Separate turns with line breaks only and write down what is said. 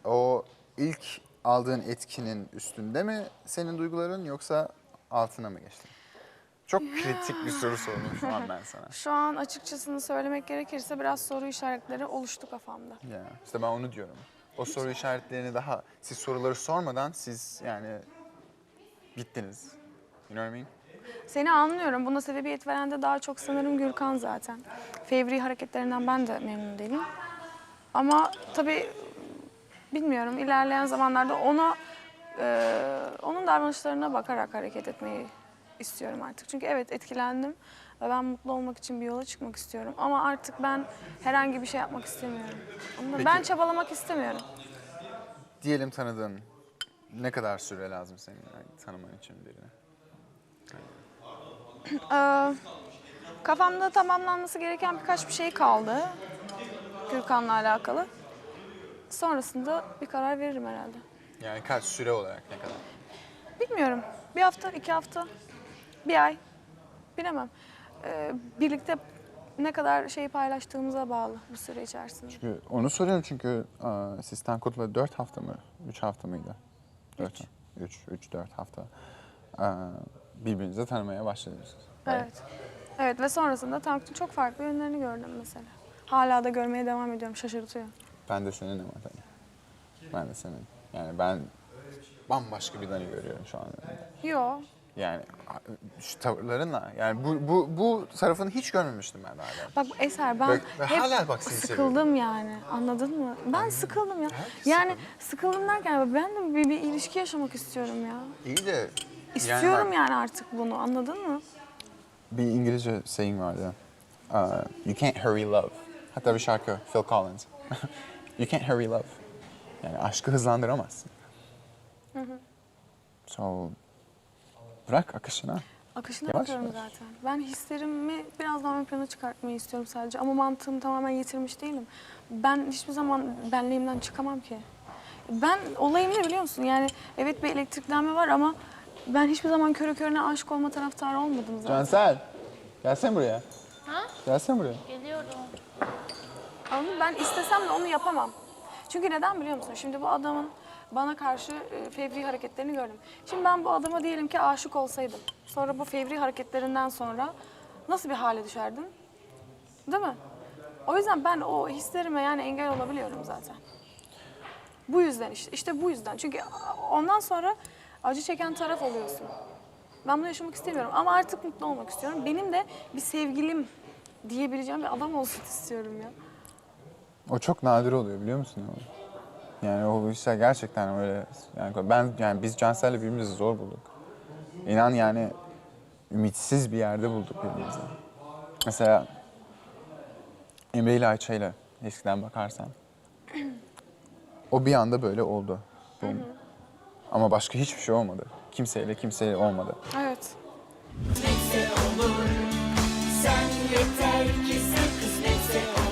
o ilk aldığın etkinin üstünde mi senin duyguların yoksa altına mı geçti? Çok kritik bir soru sordum şu an ben sana.
Şu an açıkçasını söylemek gerekirse biraz soru işaretleri oluştu kafamda.
Ya işte ben onu diyorum. O soru işaretlerini daha siz soruları sormadan siz yani bittiniz. You know what I mean?
Seni anlıyorum. Buna sebebiyet veren de daha çok sanırım Gürkan zaten. Fevri hareketlerinden ben de memnun değilim. Ama tabii bilmiyorum, ilerleyen zamanlarda onun davranışlarına bakarak hareket etmeyi istiyorum artık. Çünkü evet, etkilendim ve ben mutlu olmak için bir yola çıkmak istiyorum. Ama artık ben herhangi bir şey yapmak istemiyorum.
Peki.
Ben çabalamak istemiyorum.
Diyelim tanıdığın ne kadar süre lazım senin yani tanıman için birini?
Kafamda tamamlanması gereken birkaç bir şey kaldı Gürkan'la alakalı. Sonrasında bir karar veririm herhalde.
Yani kaç süre olarak ne kadar?
Bilmiyorum. Bir hafta, 2 hafta, bir ay. Bilemem. Birlikte ne kadar şey paylaştığımıza bağlı bu süre içerisinde.
Çünkü onu soruyorum çünkü siz Tankut'la 4 hafta mı? 3 hafta mıydı? 3-4 hafta. Birbirinizi tanımaya başladınız.
Evet. Evet ve sonrasında Tankut'un çok farklı yönlerini gördüm mesela. Hala da görmeye devam ediyorum. Şaşırtıyor.
Ben de senin ama tabii. Ben de senin. Yani ben bambaşka bir Dani görüyorum şu an.
Yo.
Yani şu tavırlarınla yani bu tarafını hiç görmemiştim ben daha önce.
Bak Eser, ben
Ve
hep
hala bak seni
sıkıldım yani. Anladın mı? Ben sıkıldım ya. Yani sıkıldım derken ben de bir ilişki yaşamak istiyorum ya.
İyi de
İstiyorum yani artık bunu. Anladın mı?
bir İngilizce saying vardı. You can't hurry love. Hatta bir şarkı Phil Collins. You can't hurry love. Yani aşkı hızlandıramazsın. So bırak akışına.
Akışına
Yavaş
bakıyorum
yavaş.
zaten. Ben hislerimi biraz daha ön plana çıkartmayı istiyorum sadece. Ama mantığımı tamamen yitirmiş değilim. Ben hiçbir zaman benliğimden çıkamam ki. Ben olayım ne biliyor musun? Yani evet bir elektriklenme var ama ben hiçbir zaman körü körüne aşık olma taraftarı olmadım zaten.
Cansel. Gelsene buraya.
Ha?
Gelsene buraya.
Geliyorum.
Anladın mı? Ben istesem de onu yapamam. Çünkü neden biliyor musun? Şimdi bu adamın bana karşı fevri hareketlerini gördüm. Şimdi ben bu adama diyelim ki aşık olsaydım. Sonra bu fevri hareketlerinden sonra nasıl bir hale düşerdim? Değil mi? O yüzden ben o hislerime yani engel olabiliyorum zaten. Bu yüzden işte bu yüzden. Çünkü ondan sonra acı çeken taraf oluyorsun. Ben bunu yaşamak istemiyorum ama artık mutlu olmak istiyorum. Benim de bir sevgilim diyebileceğim bir adam olsun istiyorum ya.
O çok nadir oluyor biliyor musun? Yani o işler gerçekten öyle. Yani biz Cansel'le birbirimizi zor bulduk. İnan yani ümitsiz bir yerde bulduk birbirimizi. Mesela Emre ile Ayça ile eskiden bakarsan o bir anda böyle oldu. Boom. Ama başka hiçbir şey olmadı. Kimseyle olmadı.
Evet.
Kısmetse olur. Sen yeter ki sen kısmetse olur.